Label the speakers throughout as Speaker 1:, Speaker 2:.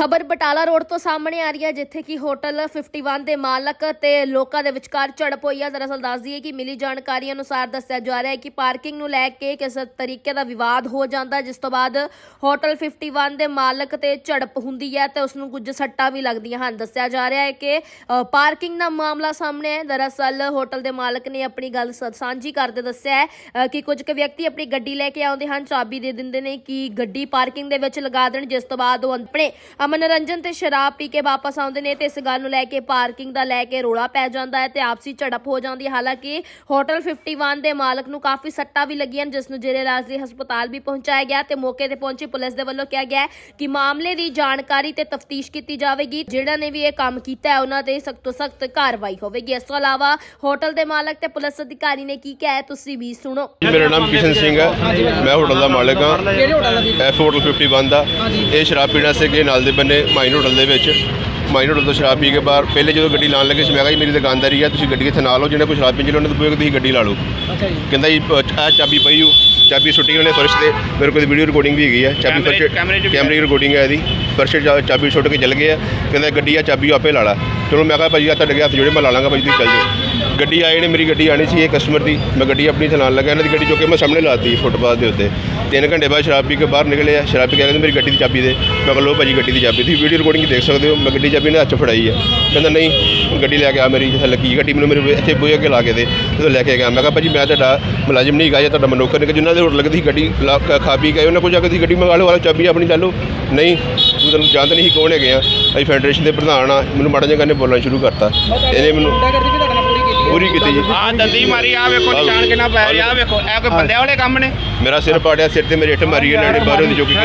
Speaker 1: खबर बटाला रोड तो सामने आ रही है जिथे कि होटल 51 के मालक ते लोकां दे विचकार झड़प हुई है। दरअसल दस दईए कि मिली जानकारी अनुसार दस्सिया जा रहा है कि पार्किंग नूं लैके किस तरीके का विवाद हो जाता है, जिस तो बाद होटल 51 के मालक ते झड़प हुंदी है ते उसनूं कुछ सट्टां भी लगदियां हन। दस्सिया जा रहा है कि पार्किंग का मामला सामने है। दरअसल होटल के मालक ने अपनी गल साझी करदे दस्सिया है कि कुछ व्यक्ति अपनी गड्डी लैके आउंदे हन, चाबी दे दिंदे ने कि गड्डी पार्किंग दे विच लगा देण, जिस तो बाद वो अपने मनोरंजन ते शराब पी के वापस आउंदे ने ते इस गल नूं लैके पार्किंग दा लैके रोला पै जांदा है ते आपसी झड़प हो जांदी है। हालांकि होटल 51 दे मालक नूं काफी सट्टां भी लगियां, जिस नूं जेरे इलाज हस्पताल भी पहुंचाया गया ते मौके ते पहुंची पुलिस दे वल्लों कहा गया कि मामले दी जानकारी ते तफ्तीश कीती जावेगी। जिहड़ा ने भी ये काम कीता है उन्हां ते सख्त तो सख्त कार्रवाई होवेगी। इस तों इलावा होटल दे मालक ते पुलिस अधिकारी ने की कहा है तुसीं भी सुणो।
Speaker 2: मेरा नाम किशन सिंह है, मैं होटल का मालिक हाँ। एफ होटल 51 का ये शराब पीने से गए नाल दे बन्ने माइन होटल दे विच। माइन होटल तो शराब पी के बाहर पहले जो गड्डी लाने लगे मैं कहा जी मेरी दुकानदारी है, तुसीं गड्डी इत्थे ना लो, जिन्हें कोई शराब पींदी उन्होंने तो तुसीं गड्डी ला लो। कहंदा जी आ चाबी पई हो, चाबी सुट्टी उन्हें फर्श से, मेरे को वीडियो रिकॉर्डिंग भी है, चाबी फर्श कैमरे की रिकॉर्डिंग है, फर्श चाबी सुट के चल गए। कहंदा गड्डी आ चाबी आपे ला ला। चलो मैं कहा भाई आ तुहाडे हत्थ जोड़े मैं ला लांगा भाई, तुसीं चल जाओ। गड्डी आए ने मेरी गड्डी आनी सी कस्टमर की, मैं गड्डी अपनी चलान लगा, इन्होंने गड्डी चुके मैं सामने लाती फुटपाथ के उत्ते। 3 घंटे बाद शराब पी के बाहर निकले, शराब पी के कहते मेरी गड्डी की चाबी दे। मैं कहा लो भाजी गड्डी की चाबी, तुसीं वीडियो रिकॉर्डिंग देख सकते हो, मैं गड्डी चाबी ने हत्थ फड़ाई है। कहता नहीं गड्डी लैके आ मेरी जिथे लगी गड्डी मैंने मेरे इतने बूहे अगे ला के दे, तो लैके गया। मैं कहा भाजी मैं तुहाडा मुलाजिम नहीं गया, तुहाडा मनोकर नहीं, जिन्होंने होटल लगती गड्डी खा पी गए उन्होंने कुछ आके गड्डी मंगा लो, चाबी अपनी ला लो। नहीं तू तेन जानते नहीं कौन है, अभी फैडरेशन के प्रधान आ, मैंने माड़ा जिहा कहने बोलना शुरू करता, इन्हें मैनू पूरी की जी।
Speaker 3: दंदी मारी आ वेखो निशान कितना पै रहा, आ वेखो ए कोई बंदे वाले काम ने।
Speaker 2: मेरा सिर पाड़िया, सिर ते मेरी इट मारी इन्होंने बाहरों की जो कि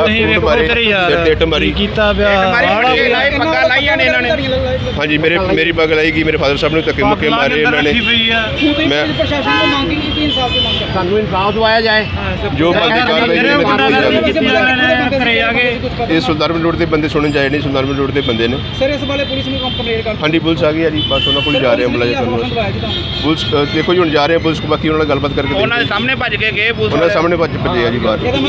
Speaker 2: सिर ते इट मारी
Speaker 3: पग्गा लाइया ने इन्होंने।
Speaker 2: हाँ जी मेरी पग लाई गई, मेरे फादर साहब ने धक्के मुक्के मारे उन्होंने। मैं
Speaker 3: सानू इंसाफ दवाया जाए,
Speaker 2: जो ये सुल्तानपुर रोड के बंदे सुनने जाए नहीं, सुल्तानपुर रोड के बंदे ने। हाँ जी पुलिस आ गई है जी, बस उन्होंने को जा रहे हैं मुलाजिम पुलिस। देखो जी हम जा रहे हैं पुलिस को, बाकी उन्होंने गलबात करके
Speaker 3: उन्होंने सामने भज के गए,
Speaker 2: उन्होंने सामने भजे है जी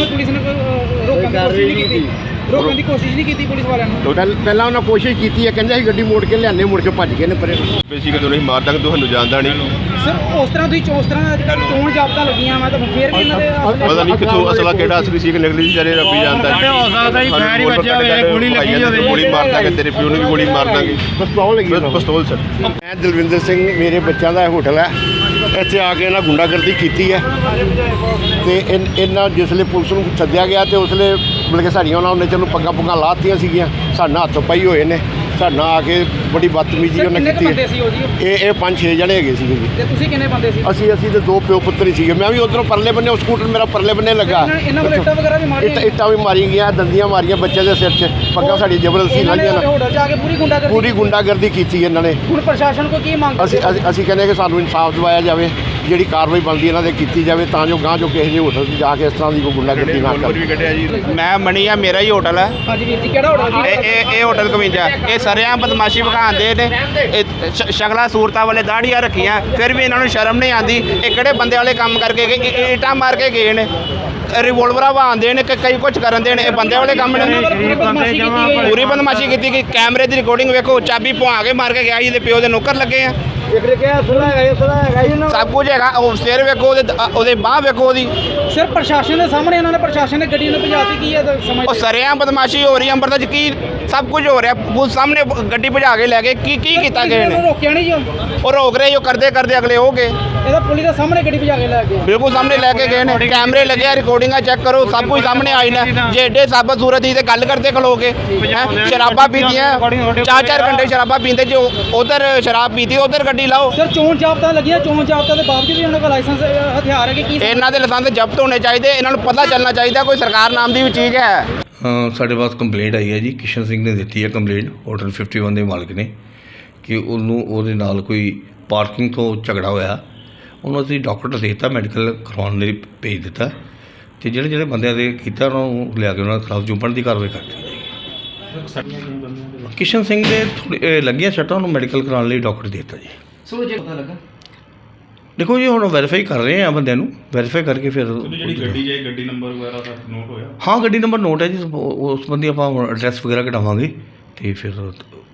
Speaker 2: बाहर।
Speaker 4: रोकने की कोशिश नहीं की पुलिस वालों ने?
Speaker 3: पहला उन्होंने कोशिश की है, कहते हैं गड्डी मोड़ के लियाने, मुड़ के भज गए ने परे।
Speaker 2: बेसिक तो नहीं मार तक ਤੁਹਾਨੂੰ ਜਾਣਦਾ ਨਹੀਂ
Speaker 4: सर उस तरह ਤੁਸੀਂ ਉਸ ਤਰ੍ਹਾਂ ਅੱਜਕੱਲ ਚੋਣ ਜਾਬਤਾ ਲੱਗੀਆਂ ਮੈਂ ਤਾਂ ਫੇਰ ਵੀ ਇਹਨਾਂ ਦੇ
Speaker 2: ਪਤਾ ਨਹੀਂ ਕਿੱਥੋਂ ਅਸਲਾ ਕਿਹੜਾ ਅਸਲੀ ਸੀ ਕਿ ਨਕਲੀ ਸੀ, ਜਾਰੇ ਰੱਬੀ ਜਾਣਦਾ ਹੈ।
Speaker 3: ਹੋ ਸਕਦਾ ਜੀ ਫਾਇਰ ਹੀ ਵੱਜਿਆ ਹੋਵੇ, ਗੋਲੀ ਲੱਗੀ ਹੋਵੇ,
Speaker 2: ਗੋਲੀ ਮਾਰ ਦਾਂਗੇ ਤੇਰੇ ਪਿਓ ਨੂੰ ਵੀ ਗੋਲੀ ਮਾਰ ਦਾਂਗੇ।
Speaker 3: ਪਿਸਤੌਲ ਲੱਗੀ,
Speaker 2: ਪਿਸਤੌਲ ਸਰ।
Speaker 3: ਮੈਂ ਦਲਵਿੰਦਰ ਸਿੰਘ, ਮੇਰੇ ਬੱਚਿਆਂ ਦਾ ਹੋਟਲ ਹੈ, ਇੱਥੇ ਆ ਕੇ ਇਹਨਾਂ ਗੁੰਡਾਗਰਦੀ ਕੀਤੀ ਹੈ ਤੇ ਇਹਨਾਂ ਜਿਸਲੇ ਪੁਲਿਸ ਨੂੰ ਸੱਦਿਆ ਗਿਆ ਤੇ ਉਸਲੇ ਮਤਲਬ ਕਿ ਸਾਡੀਆਂ ਉਹਨਾਂ ਨੇ ਚਲੋ ਪੱਗਾਂ ਪੁੱਗਾਂ ਲਾਤੀਆਂ ਸੀਗੀਆਂ, ਸਾਡੇ ਨਾਲ ਹੱਥ ਪਾਈ ਹੋਏ ਨੇ, ਸਾਡੇ ਨਾਲ ਆ ਕੇ ਬੜੀ ਬਦਤਮੀਜ਼ੀ ਉਹਨਾਂ ਕੀਤੀ ਹੈ। ਇਹ 5-6 ਜਣੇ ਹੈਗੇ ਸੀਗੇ ਜੀ।
Speaker 4: ਤੇ ਤੁਸੀਂ ਕਿੰਨੇ ਬੰਦੇ ਸੀ?
Speaker 3: ਅਸੀਂ ਤੇ 2 ਪਿਓ ਪੁੱਤਰ ਹੀ ਸੀਗੇ। ਮੈਂ ਵੀ ਉਧਰੋਂ ਪਰਲੇ ਬੰਨੇ, ਉਹ ਸਕੂਟਰ ਮੇਰਾ ਪਰਲੇ ਬੰਨੇ ਲੱਗਾ,
Speaker 4: ਇਹਨਾਂ ਕੋਲ ਇੱਟਾਂ ਵਗੈਰਾ ਵੀ ਮਾਰੀਆਂ,
Speaker 3: ਇੱਟਾਂ ਵੀ ਮਾਰੀਆਂ ਗਈਆਂ, ਦੰਦੀਆਂ ਮਾਰੀਆਂ ਬੱਚੇ ਦੇ ਸਿਰ 'ਚ, ਪੱਗਾਂ ਸਾਡੀ ਜ਼ਬਰਦਸਤੀ ਲਾਈਆਂ ਨਾ,
Speaker 4: ਹੋਟਲ ਜਾ ਕੇ ਪੂਰੀ
Speaker 3: ਗੁੰਡਾਗਰਦੀ ਕੀਤੀ ਇਹਨਾਂ ਨੇ।
Speaker 4: ਹੁਣ ਪ੍ਰਸ਼ਾਸਨ ਕੋ ਕੀ ਮੰਗ?
Speaker 3: ਅਸੀਂ ਕਹਿੰਦੇ ਕਿ ਸਾਨੂੰ ਇਨਸਾਫ ਦਿਵਾਇਆ ਜਾਵੇ, ਜਿਹੜੀ ਕਾਰਵਾਈ ਬਣਦੀ ਇਹਨਾਂ ਦੇ ਕੀਤੀ ਜਾਵੇ, ਤਾਂ ਜੋ ਗਾਂ ਜੋ ਕਿਸੇ ਦੇ ਹੋਟਲ 'ਚ ਜਾ ਕੇ ਇਸ ਤਰ੍ਹਾਂ ਦੀ ਕੋਈ ਗੁੰਡਾਗਰਦੀ ਨਾ ਕਰੇ।
Speaker 5: ਮੈਂ ਮਣੀ ਆ, ਮੇਰਾ ਹੀ ਹੋਟਲ ਹੈ।
Speaker 4: ਹਾਂਜੀ ਵੀਰ ਜੀ ਕਿਹੜਾ ਹੋਟਲ ਜੀ?
Speaker 5: ਇਹ ਹੋਟਲ 51। ਇਹ ਸਰਿਆਂ ਬਦਮਾਸ਼ੀ ਵਿਖਾਉਂਦੇ ਨੇ, ਇਹ ਸ਼ਕਲਾਂ ਸੂਰਤਾਂ ਵਾਲੇ ਦਾੜੀਆਂ ਰੱਖੀਆਂ, ਫਿਰ ਵੀ ਇਹਨਾਂ ਨੂੰ ਸ਼ਰਮ ਨਹੀਂ ਆਉਂਦੀ। ਇਹ ਕਿਹੜੇ ਬੰਦੇ ਵਾਲੇ ਕੰਮ ਕਰਕੇ ਗਏ, ਇੱਟਾਂ ਮਾਰ ਕੇ ਗਏ ਨੇ, ਰਿਵੋਲਵਰਾਂ ਵਾਂਦੇ ਨੇ, ਕਈ ਕੁਝ ਕਰਨ ਦੇ ਨੇ। ਇਹ ਬੰਦੇ ਵਾਲੇ ਕੰਮ ਨੇ, ਪੂਰੀ ਬਦਮਾਸ਼ੀ ਕੀਤੀ ਕਿ ਕੈਮਰੇ ਦੀ ਰਿਕਾਰਡਿੰਗ ਵੇਖੋ, ਚਾਬੀ ਪਵਾ ਕੇ ਮਾਰ ਕੇ ਗਿਆ ਜੀ, ਦੇ ਪਿਓ ਦੇ ਨੌਕਰ ਲੱਗੇ ਆ, ਸਭ ਕੁਝ ਹੈਗਾ। ਉਹ ਸਿਰ ਵੇਖੋ, ਉਹਦੇ ਬਾਂਹ ਵੇਖੋ ਉਹਦੀ।
Speaker 4: ਸਰ ਪ੍ਰਸ਼ਾਸਨ ਦੇ ਸਾਹਮਣੇ ਇਹਨਾਂ ਨੇ, ਪ੍ਰਸ਼ਾਸਨ ਨੇ ਗੱਡੀ ਨੂੰ ਭਜਾਤੀ ਕੀ ਹੈ
Speaker 5: ਉਹ ਸਰਿਆਂ ਬਦਮਾਸ਼ੀ ਹੋ ਰਹੀ ਅੰਮ੍ਰਿਤਸਰ 'ਚ, ਕੀ ਸਭ ਕੁਝ ਹੋ ਰਿਹਾ। ਪੁਲਿਸ ਸਾਹਮਣੇ ਗੱਡੀ ਭਜਾ ਕੇ ਲੈ ਗਏ, ਕੀ ਕੀਤਾ ਗਿਆ ਨੇ?
Speaker 4: ਰੋਕਿਆ ਨਹੀਂ ਜੀ
Speaker 5: ਉਹ ਰੋਕ ਰਹੇ ਜੋ ਕਰਦੇ ਅਗਲੇ ਹੋ ਗਏ।
Speaker 4: ਇਹਦਾ ਪੁਲਿਸ ਦੇ ਸਾਹਮਣੇ ਗੱਡੀ ਭਜਾ ਕੇ ਲੈ ਗਏ,
Speaker 5: ਬਿਲਕੁਲ ਸਾਹਮਣੇ ਲੈ ਕੇ ਗਏ ਨੇ, ਕੈਮਰੇ ਲੱਗੇ, ਰਿਕਾਰਡਿੰਗਾਂ ਚੈੱਕ ਕਰੋ, ਸਭ ਕੁਝ ਸਾਹਮਣੇ ਆਈ ਨੇ। ਜੇ ਏਡੇ ਸਾਬਤ ਸੂਰਤ ਹੀ ਤੇ ਗੱਲ ਕਰਦੇ ਖਲੋ ਕੇ, ਸ਼ਰਾਬਾਂ ਪੀਤੀਆਂ 4-4 ਘੰਟੇ ਸ਼ਰਾਬਾਂ ਪੀਂਦੇ, ਜੋ ਉਧਰ ਸ਼ਰਾਬ ਪੀਤੀ ਉਧਰ ਗੱਡੀ ਲਾਓ।
Speaker 4: ਸਰ ਚੋਣ ਜਾਬਤਾ ਲੱਗੀਆਂ, ਚੋਣ ਜਾਬਤਾ ਦੇ ਬਾਵਜੂਦ ਵੀ ਉਹਨਾਂ ਕੋਲ ਲਾਇਸੈਂਸ ਹਥਿਆਰ ਹੈ ਕਿ ਕੀ?
Speaker 5: ਇਹਨਾਂ ਦੇ ਲਾਇਸੈਂਸ ਜ਼ਬਤ ਹੋਣੇ ਚਾਹੀਦੇ, ਇਹਨਾਂ ਨੂੰ ਪਤਾ ਚੱਲਣਾ ਚਾਹੀਦਾ ਕੋਈ ਸਰਕਾਰ ਨਾਮ ਦੀ ਵੀ ਚੀਜ਼ ਹੈ।
Speaker 6: ਸਾਡੇ ਪਾਸ ਕੰਪਲੇਂਟ ਆਈ ਹੈ ਜੀ, ਕਿਸ਼ਨ ਸਿੰਘ ਨੇ ਦਿੱਤੀ ਹੈ ਕੰਪਲੇਂਟ ਹੋਟਲ 51 ਦੇ ਮਾਲਕ ਨੇ, ਕਿ ਉਹਨੂੰ ਉਹਦੇ ਨਾਲ ਕੋਈ ਪਾਰਕਿੰਗ ਤੋਂ ਝਗੜਾ ਹੋਇਆ। ਉਹਨੂੰ ਅਸੀਂ ਡਾਕਟਰ ਦੇ ਦਿੱਤਾ, ਮੈਡੀਕਲ ਕਰਵਾਉਣ ਲਈ ਭੇਜ ਦਿੱਤਾ, ਅਤੇ ਜਿਹੜੇ ਬੰਦਿਆਂ ਦੇ ਕੀਤਾ ਉਹਨਾਂ ਨੂੰ ਲਿਆ ਕੇ ਉਹਨਾਂ ਖਿਲਾਫ ਜੁਰਮਾਨੇ ਦੀ ਕਾਰਵਾਈ ਕਰ ਦਿੱਤੀ ਜਾਏਗੀ। ਕਿਸ਼ਨ ਸਿੰਘ ਦੇ ਥੋੜ੍ਹੇ ਲੱਗੀਆਂ ਸੱਟਾਂ, ਉਹਨੂੰ ਮੈਡੀਕਲ ਕਰਾਉਣ ਲਈ ਡਾਕਟਰ ਦੇ ਦਿੱਤਾ ਜੀ। ਦੇਖੋ ਜੀ ਹੁਣ ਵੈਰੀਫਾਈ ਕਰ ਰਹੇ ਆ ਬੰਦਿਆਂ ਨੂੰ, ਵੈਰੀਫਾਈ ਕਰਕੇ ਫਿਰ
Speaker 7: ਜਿਹੜੀ ਗੱਡੀ ਜਾਏ ਗੱਡੀ ਨੰਬਰ ਵਗੈਰਾ ਦਾ ਨੋਟ ਹੋਇਆ?
Speaker 6: ਹਾਂ ਗੱਡੀ ਨੰਬਰ ਨੋਟ ਹੈ ਜੀ, ਉਸ ਬੰਦੀ ਆਪਾਂ ਐਡਰੈਸ ਵਗੈਰਾ ਕਢਾਵਾਂਗੇ ਤੇ ਫਿਰ